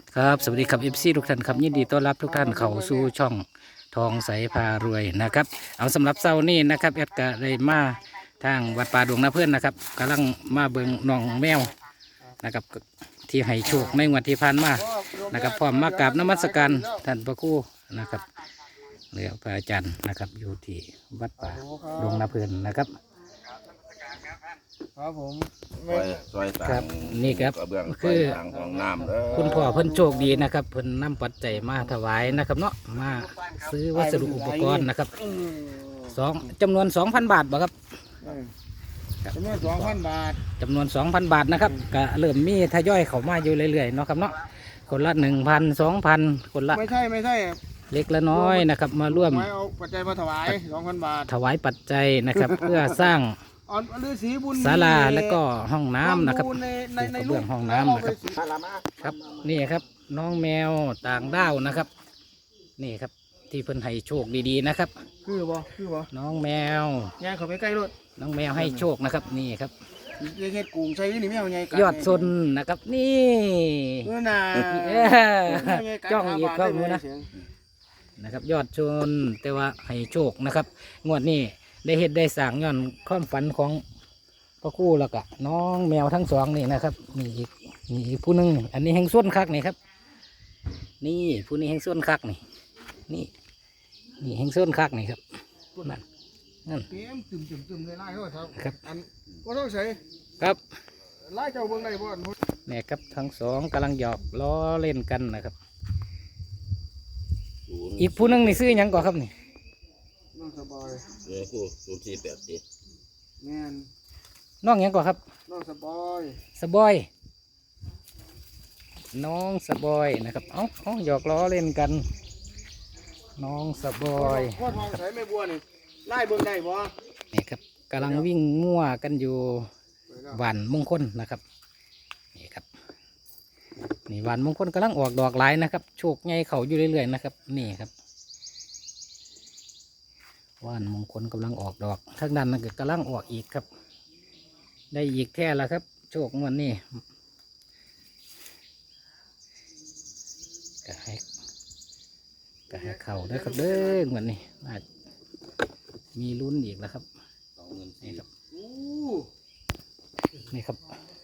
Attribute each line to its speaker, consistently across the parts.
Speaker 1: ครับสวัสดีครับเอฟซีทุกท่านครับยินดีต้อนรับทุกท่านเข้าสู่ช่องทองใสพารวยนะครับเอาสำหรับเช้านี้นะครับแอดก็ได้มาทางวัดป่าดวงนาเพื่อนนะครับกำลังมาเบิงน้องแมวนะครับที่ให้โชคในงวดที่ผ่านมานะครับพร้อมมากราบนมัสการท่านพระครูนะครับเรือพระอาจารย์นะครับอยู่ที่วัดป่าดวงนาเพื่อนนะครับ
Speaker 2: ครับผม
Speaker 3: ซอยต่าง
Speaker 1: ครับนี่ครับ
Speaker 3: กระเบื้อง
Speaker 1: คือ
Speaker 3: ซอยต่างของน้ำเด้อ
Speaker 1: คุณพ่อเพิ่นโชคดีนะครับเพิ่นนำปัจจัยมาถวายนะครับเนาะมาซื้อวัสดุอุปกรณ์นะครับจำนวน 2,000 บาทบ่ครับ
Speaker 2: จำนวน2,000 บาท
Speaker 1: จำนวน 2,000 บาทนะครับก็เริ่มมีทยอยเข้ามาอยู่เรื่อยๆเนาะครับเนาะคนละ 1,000 2,000 คนละ
Speaker 2: ไม่ใช่
Speaker 1: เล็กละน้อยนะครับมาร่วม
Speaker 2: ไม่เอาปัจจัยมาถวาย 2,000 บาท
Speaker 1: ถวายปัจจัยนะครับ เพื่อสร้าง
Speaker 2: อ่อนฤาษีบุญ
Speaker 1: ศาลาและก็ห้องน้ำนะครับ
Speaker 2: ใน
Speaker 1: กระเบื้องห้องน้ำนะครับ ครับนี่ครับน้องแมวต่างดาวนะครับ นี่ครับที่เพิ่นให้โชคดีๆนะครับ
Speaker 2: คือบ่
Speaker 1: น้องแมว
Speaker 2: ยายเขาไปใกล้รถ
Speaker 1: น้องแมวให้โชคนะครับนี่ครับ
Speaker 2: ยายเฮ็ดกุ้งใส่นี่ไม่เอาไง
Speaker 1: ยอดซนนะครับนี่
Speaker 2: เออน่ะ
Speaker 1: จ้องอีกเข้ามือนะนะครับ ยอดชนแต่ว่าให้โชคนะครับงวดนี้ได้เฮ็ดได้สร้างย้อนความฝันของพ่อครู่แล้วก็น้องแมวทั้งสองนี่นะครับนี่อีกผู้หนึงอันนี้แห่งส้นคักนี่ครับ นี่ผู้นี้แห่งส้นคักนี่แห่งส้นคักนี่ครับนั่น
Speaker 2: เตรียมตึมเลยไล่เขาครับ
Speaker 1: ครับ
Speaker 2: อันบ่ต้องใส่
Speaker 1: ครับ
Speaker 2: ไล่เจ้าเบิ่งได้บ่
Speaker 1: เนี่ยครับทั้งสองกำลังหยอกล้อเล่นกันนะครับ อีกผู้หนึงนี่ซื้อหยังก่อนครับนี่
Speaker 2: น้องสบาย
Speaker 3: เดี๋ยวกู048
Speaker 2: แม่น
Speaker 1: น้องหยังก่อนครับ
Speaker 2: น้องสบาย
Speaker 1: สบอย น้องสบอยนะครับเอาหยอกล้อเล่นกัน น้องสบอย
Speaker 2: พ่อทองใส่ไม่บัวนี่ไล่เบิ่งได้บ่
Speaker 1: นี่ครับกำลังวิ่งมั่วกันอยู่หวานมงคลนะครับนี่ครับนี่หวานมงคลกำลังออกดอกหลายนะครับโชคใหญ่เขาอยู่เรื่อยๆนะครับนี่ครับหวานมงคลกำลังออกดอกทางด้านนั้นก็กำลังออกอีกครับ ได้อีกแท่แล้วครับ โชคงวดนี้ก็ให้เข่าได้ครับเด้องวดนี้น่ามีลุ้นอีกแล้วครับนี่ครับ
Speaker 2: อู้
Speaker 1: นี่ครับ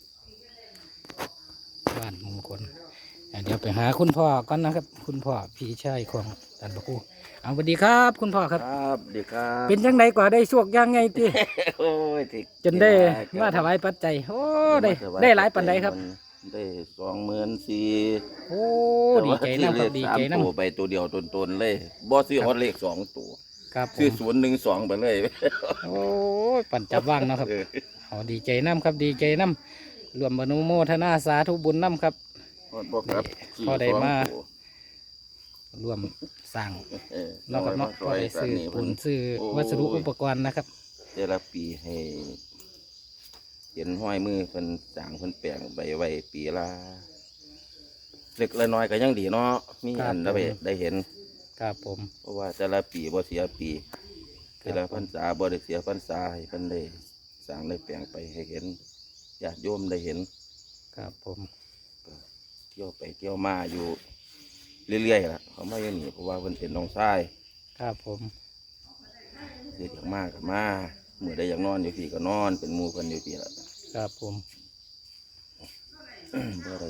Speaker 1: บ้านมงคลเดี๋ยวไปหาคุณพ่อก่อนนะครับ คุณพ่อพี่ชายของท่านพระครูเอาสวัสดีครับ คุณพ่อครับ
Speaker 3: ครับดีครับ
Speaker 1: เป็นจังไดกว่าได้โชคยังไงตี
Speaker 3: โอ้ยที่
Speaker 1: จนได้มาถวายปัจจัยโอ้ได้หลายปันใดครับ
Speaker 3: ได้24,000
Speaker 1: โอ้ดีใจน้ำครับดีใจน้
Speaker 3: ตัวไปตัวเดียวตนๆเลยบ่ซื้อฮอดเลข2ตัว
Speaker 1: ำครับผ
Speaker 3: ซื้อ
Speaker 1: ม
Speaker 3: 012ไปเลย
Speaker 1: โอ้ยปั่นจับว่างเนาะครับเอาดีใจน้ำครับดีใจน้ำรวมอนุโมทนาสาธุบุญน้ำครับ
Speaker 3: ฮอดบ่ครับ
Speaker 1: พอได้มา
Speaker 3: สองตัว
Speaker 1: รวมสร้าง
Speaker 3: เออ
Speaker 1: เนาะครับเนาะพอได้ซื้อผลซื้อวัสดุอุปกรณ์นะครับ
Speaker 3: แต่ละปีให้เห็นห้อยมือเพิ่นสร้างเพิ่นแปลงไปไว้ปีละเล็กละน้อยก็ยังดีเนาะมีอันได้เห็น
Speaker 1: ครับผม
Speaker 3: เพราะว่าแต่ละปีบ่เสียปีแต่ละพรรษาบ่ได้เสียพรรษาให้เพิ่นได้สร้างได้แปลงไปให้เห็นญาติโยมได้เห็น
Speaker 1: ครับผม
Speaker 3: เที่ยวไปเที่ยวมาอยู่เรื่อยๆล่ะเขามาอยู่นี่เพราะว่าเพิ่นเป็นน้องชาย
Speaker 1: ครับผม
Speaker 3: เด็กอยากมาก็มาเมื่อใดอยากนอนอยู่พี่ก็นอนเป็นหมู่เพิ่นอยู่พี่ล่ะ
Speaker 1: ครับผม
Speaker 3: บ่ได้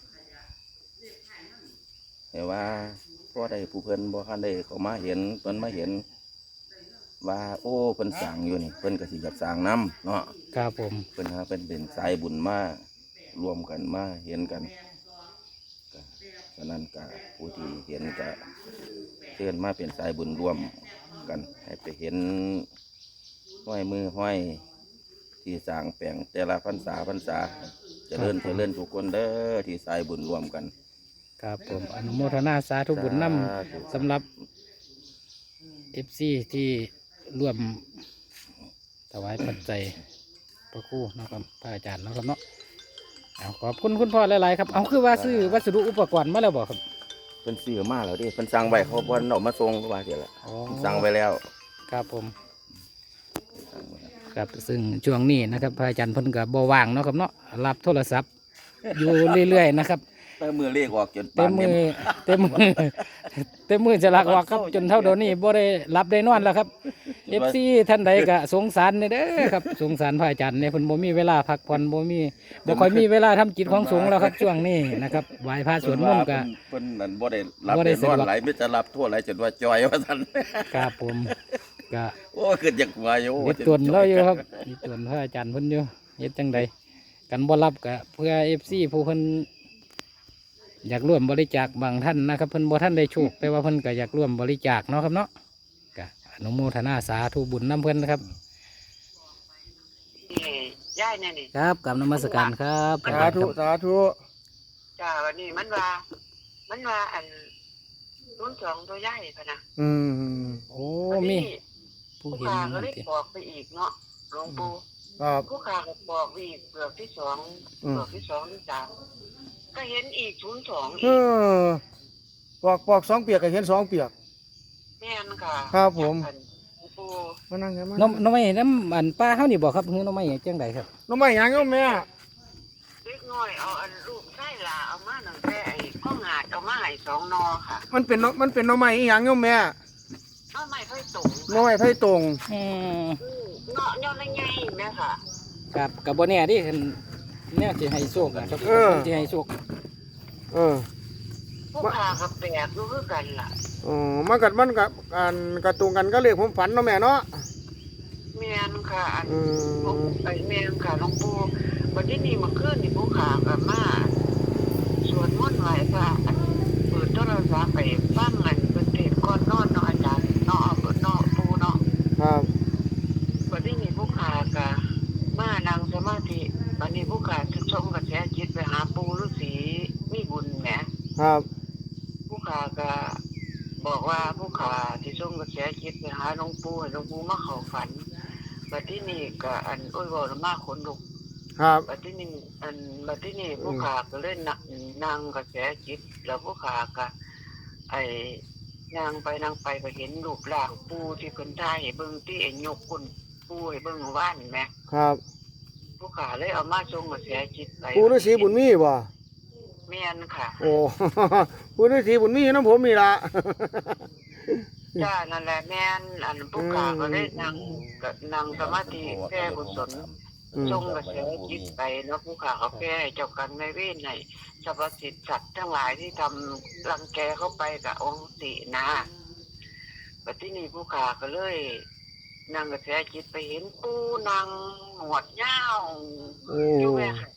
Speaker 3: แต่ว่าพอได้ผู้เพิ่นบ่ทันได้เขามาเห็นเพิ่นมาเห็น ว่าโอ้เพิ่นสร้างอยู่นี่เพิ่นก็สิอยากสร้างนํเนาะ
Speaker 1: ครับผม
Speaker 3: เพิ่นหาเป็นสายบุญมารวมกันมาเห็นกันก็ฉะนั้นก็ผู้ที่เห็นก็เชิญมาเป็นสายบุญร่วมกันให้ไปเห็นห้อยมือห้อยที่สร้างแปลงแต่ละพรรษาเจริญทุกคนเด้อที่สายบุญร่วมกัน
Speaker 1: ครับผมอนุโมทนาสาธุบุญนำสำหรับเอฟซีที่ร่วมถวายปัจจัยพระครูนะครับพระอาจารย์นะครับเนาะเอาขอบคุณคุณพ่อหลายๆครับเอาคือว่าซื้อวัสดุอุปกรณ์มาแล้วบอกครับ
Speaker 3: เพิ่นซื้อมาแล้วเดิเพิ่นสั่งไว้เขาบ่เอามาส่งว่าเดี๋ยวละ
Speaker 1: อ๋อ
Speaker 3: เพิ่นสั่งไว้แล้ว
Speaker 1: ครับผม
Speaker 3: สั่งไว้แล้ว
Speaker 1: ครับซึ่งช่วงนี้นะครับพระอาจารย์เพิ่นก็บ่ว่างเนาะครับเนาะรับโทรศัพท์อยู่เรื่อยๆนะครับ
Speaker 3: แต่มือเลขออกจน
Speaker 1: เต็มมือเต็มมือเต็มมือจะลักออกครับจนเท่าเดี๋ยวนี้บ่ได้รับได้นอนแล้วครับ FC ท่านใดก็สงสารเด้อครับสงสารพระอาจารย์เนี่ยเพิ่นบ่มีเวลาพักผ่อนบ่ค่อยมีเวลาทำกิจของสงฆ์แล้วครับช่วงนี้นะครับไหว้พระสวดมนต์ก็
Speaker 3: เพิ่นนั่นบ่ได้รับ
Speaker 1: บ่ได้
Speaker 3: ได้นอน
Speaker 1: สะดวก
Speaker 3: หลายมิจะรับทั่วหลายจนว่าจอยว่าซั่น
Speaker 1: ครับผมก็
Speaker 3: โอ้ขึ้นจากหัวอยู่
Speaker 1: เฮ็ดตวนเราอยู่ครับเฮ็ดตวนพระอาจารย์เพิ่นอยู่เฮ็ดจังใดกันบ่รับก็เพื่อ FC ผู้เพิ่นอยากร่วมบริจาคบางท่านนะครับเพิ่นบ่ท่านได้โชคแต่ว่าเพิ่นก็อยากร่วมบริจาคเนาะครับเนาะก็อนุโมทนาสาธุบุญนํเพิ่นนะครับ
Speaker 4: ย่ายเนี่ยนี่
Speaker 1: ครับกราบนมัสการครับ
Speaker 2: สาธุสาธุ
Speaker 4: จ้าวันนี้มันว่าอันรุ่นสองตัวย่ายพะนะ
Speaker 2: อืม
Speaker 1: โอ้
Speaker 4: วัน
Speaker 1: มี
Speaker 4: นี้
Speaker 1: ผู้
Speaker 4: ผู้
Speaker 1: เห็น
Speaker 4: ขาก็
Speaker 1: นั่น
Speaker 4: เลย
Speaker 1: ติ
Speaker 4: บอกไปอีกเนาะหลวงปู่
Speaker 2: ครับ
Speaker 4: ผู้ขาก็บอกไปอีกเปลือกที่สอง
Speaker 2: อืม
Speaker 4: เปลือกที่สองที่สามก็เห็นอีก02
Speaker 2: เอ
Speaker 4: อีก
Speaker 2: ปอกสองเปียกก็เห็นสองเปียก
Speaker 4: แม่นค่ะ
Speaker 2: ครับผม
Speaker 4: อันหลวงปู่
Speaker 2: มานั่งกันมา
Speaker 1: น้องไม่น้ำอันป้าเฮานี่บ่ครับคือน้องไม่จังใดครับ
Speaker 2: น้องไม่หยังโยมแม่
Speaker 4: เล็กน้อยเอาอันลูกไส้ลาเอามาหนึ่งแต่ไอ้ข้องหาดเอามาให้2 นอค่ะ
Speaker 2: มันเป็นน้องไม่อีหยังโยมแม่
Speaker 4: น้อไม่ค่อยตรง
Speaker 2: น้องไม่ไผ่ตรง
Speaker 1: อืม
Speaker 4: เนาะย่อละไงแม่ค่ะ
Speaker 1: กับกับบ่แน่ดิคันแนวสิให้โชคนะครับสิให้โชค
Speaker 2: เออ
Speaker 4: ผู้ขากับแปลกรู้คือกันล่ะ
Speaker 2: อ๋อมันกับการกระตุงกันก็เรียกผมฝันเนาะแม่เนาะ
Speaker 4: แม่นค่ะอัน
Speaker 2: อืม
Speaker 4: ไอ้แม่นค่ะหลวงปู่วันที่นี่เมาขึ้นนี่ผู้ขากับมาสวดมนต์ไหว้พระอันเปิดโทรศัพท์ไปฟังอันเป็นเทศน์ก่อนนอนเนาะอาจารย์เนาะเปิดเนาะปู่เนาะ
Speaker 2: ครับ
Speaker 4: วันที่นี่ผู้ขากับมานั่งสมาธิวันนี้ผู้ขาจะส่งกระแสจิตไปหาปู่ฤาษีมีบุญแหม
Speaker 2: ครับ
Speaker 4: ผู้ขาก็บอกว่าผู้ขาที่ส่งกระแสจิตไปหาหลวงปู่ให้หลวงปู่มาเข้าฝันบัดที่นี่ก็อันโอ้ยบอกมาขนลุก
Speaker 2: ครับ
Speaker 4: บัดที่นี่ผู้ขาก็เล่นนั่งกระแสจิตแล้วผู้ขาก็ไอ้นางไปก็เห็นรูปร่างปู่ที่เพิ่นถ่ายให้เบิ่งที่ไอ้ยกคุณปู่ให้เบิ่งว่านแหม
Speaker 2: ครับ
Speaker 4: ผู้ขาเลยเอามาส่งกระแสจิตไป
Speaker 2: ปู่ฤาษีบุญมีบ่
Speaker 4: แม่นค่ะ
Speaker 2: โอ้ ปู่ฤาษีบุญมีอยู่น้ำผมนี่ล่ะ
Speaker 4: จ้านั่นแหละแม่นอันผู้ขาก็ได้นั่งสมาธิแก้กุศล
Speaker 2: อืม
Speaker 4: จงกระแสจิตไปเนาะผู้ขาเขาแก้ให้เจ้ากรรมนายเวรให้สรรพสิทธิ์สัตว์ทั้งหลายที่ทำรังแกเข้าไปกับองค์ตินะบัดที่นี่ผู้ขาก็เลยนั่งกระแสจิตไปเห็นปูนางหนวดยาว
Speaker 2: โอ้
Speaker 4: อยู่แม่ค่ะ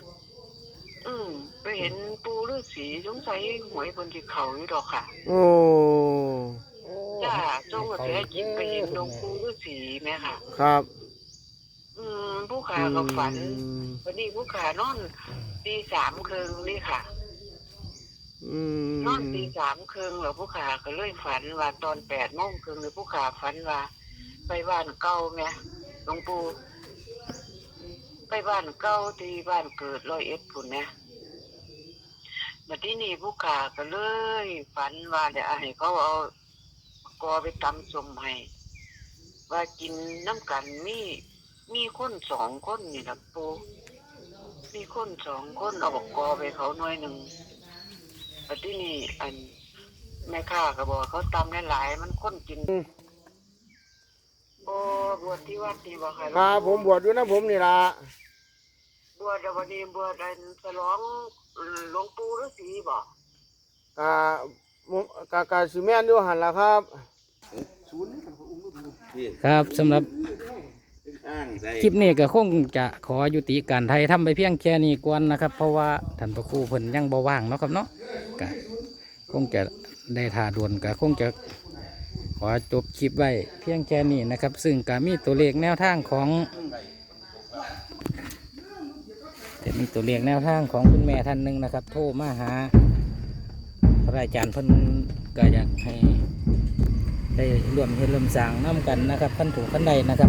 Speaker 4: ไปเห็นปูฤาษีสงสัยหวยบนที่เขาอยู่ดอกค่ะ
Speaker 2: โอ้
Speaker 4: จ้าจงกระแสจิตไปเห็นหลวงปู่ฤาษีแม่ค่ะ
Speaker 2: ครับ
Speaker 4: ผู้ขาก็ฝัน
Speaker 2: อืม
Speaker 4: วันนี้ผู้ขานอนตี3 ครึ่งนี่ค่ะ
Speaker 2: อืม
Speaker 4: นอนตี 3 ครึ่งแล้วผู้ขาก็เลยฝันว่าตอน8 โมงครึ่งเลยผู้ขาฝันว่า ไปบ้านเก่าแม่หลวงปู่ไปบ้านเก่าที่บ้านเกิด101พุ่นนะบัดที่นี่ผู้ขาก็เลยฝันว่าเดี๋ยวให้เขาเอากอไปตำสมให้ว่ากินน้ำกันมีคน2 คนนี่ล่ะปู่มีคน2 คนเอาบอกกอไปเขาหน่วยหนึ่งบัดที่นี่อันแม่ค้าก็บอกเขาตำหลายๆมันคนกินโอ้บวชที่วัดนี่บ่ค่ะ
Speaker 2: ครับผมบวชอยู่นะผมนี่ล่ะ
Speaker 4: บวชเดี๋ยววันนี้บวชอันฉลองหลวงปู่ฤาษีบ่
Speaker 2: กะผมกะสิแม่นอยู่หั่นล่ะครับ
Speaker 1: ครับสำหรับ
Speaker 3: อ้างใส่
Speaker 1: คลิปนี้ก็คงจะขอยุติการไทยทำไปเพียงแค่นี้ก่อนนะครับ เพราะว่าท่านพระครูเพิ่นยังบ่ว่างเนาะครับเนาะก็คงจะได้ท่าด่วนก็คงจะขอจบคลิปไว้เพียงแค่นี้นะครับ ซึ่งก็มีตัวเลขแนวทางของมีตัวเลขแนวทางของคุณแม่ท่านหนึ่งนะครับ โทรมาหาพระอาจารย์เพิ่นก็อยากให้ได้ร่วมเฮ็ดร่วมสร้างน้ำกันนะครับขั้นถูกขั้นใดนะครับ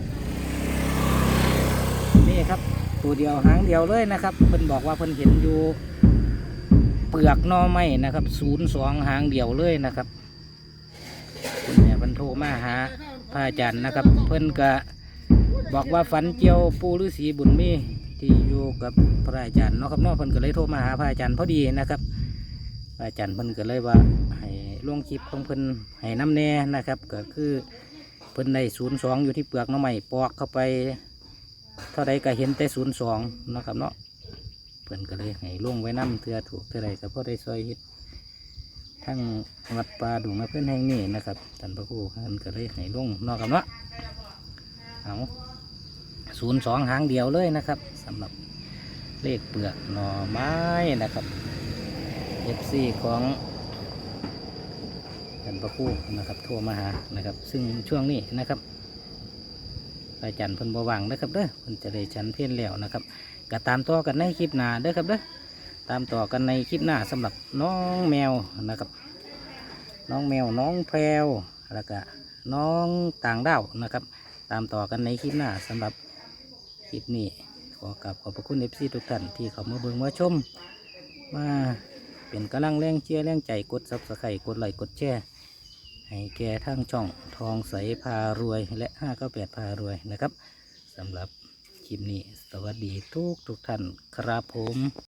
Speaker 1: นี่ครับตัวเดียวหางเดียวเลยนะครับเพิ่นบอกว่าเพิ่นเห็นอยู่เปลือกหน่อไม้นะครับ02หางเดียวเลยนะครับคุณแม่เพิ่นโทรมาหาพระอาจารย์นะครับ เพิ่นก็บอกว่าฝันเจียวปู่ฤาษีบุญมีที่อยู่กับพระอาจารย์เนาะครับเนาะเพิ่นก็เลยโทรมาหาพระอาจารย์พอดีนะครับพระอาจารย์เพิ่นก็เลยว่าให้ลงคลิปของเพิ่นให้น้ำแน่นะครับก็คือเพิ่นได้02อยู่ที่เปลือกหน้ำใหม่ปอกเข้าไปเท่าใดก็เห็นแต่02นะครับเนาะเพิ่นก็เลยให้ลงไว้น้ำเทื่อถูกเท่าใดก็พอได้ซอยเฮ็ดทั้งวัดป่าดงนะเพื่อนแห่งนี้นะครับท่านพระครูเพิ่นก็เลยให้ลงเนาะครับเนาะเอา02หางเดียวเลยนะครับสำหรับเลขเปลือกหน่อไม้นะครับ FC ของท่านพระครูนะครับโทรมาหานะครับซึ่งช่วงนี้นะครับอาจารย์เพิ่นบ่ว่างนะครับเด้อเพิ่นจะได้ฉันเพลแล้วนะครับก็ตามต่อกันในคลิปหน้าเด้อครับเด้อตามต่อกันในคลิปหน้าสำหรับน้องแมวนะครับน้องแมวน้องแพรวแล้วก็น้องต่างดาวนะครับตามต่อกันในคลิปหน้าสำหรับคลิปนี้ขอบพระคุณ FC ทุกท่านที่เข้ามาเบิ่งมาชมมาเป็นกำลังแรงเชียร์แรงใจกด Subscribe กดไลค์กดแชร์ให้แก่ทั้งช่องทองใสพารวยและ598พารวยนะครับสำหรับคลิปนี้สวัสดีทุกท่านครับผม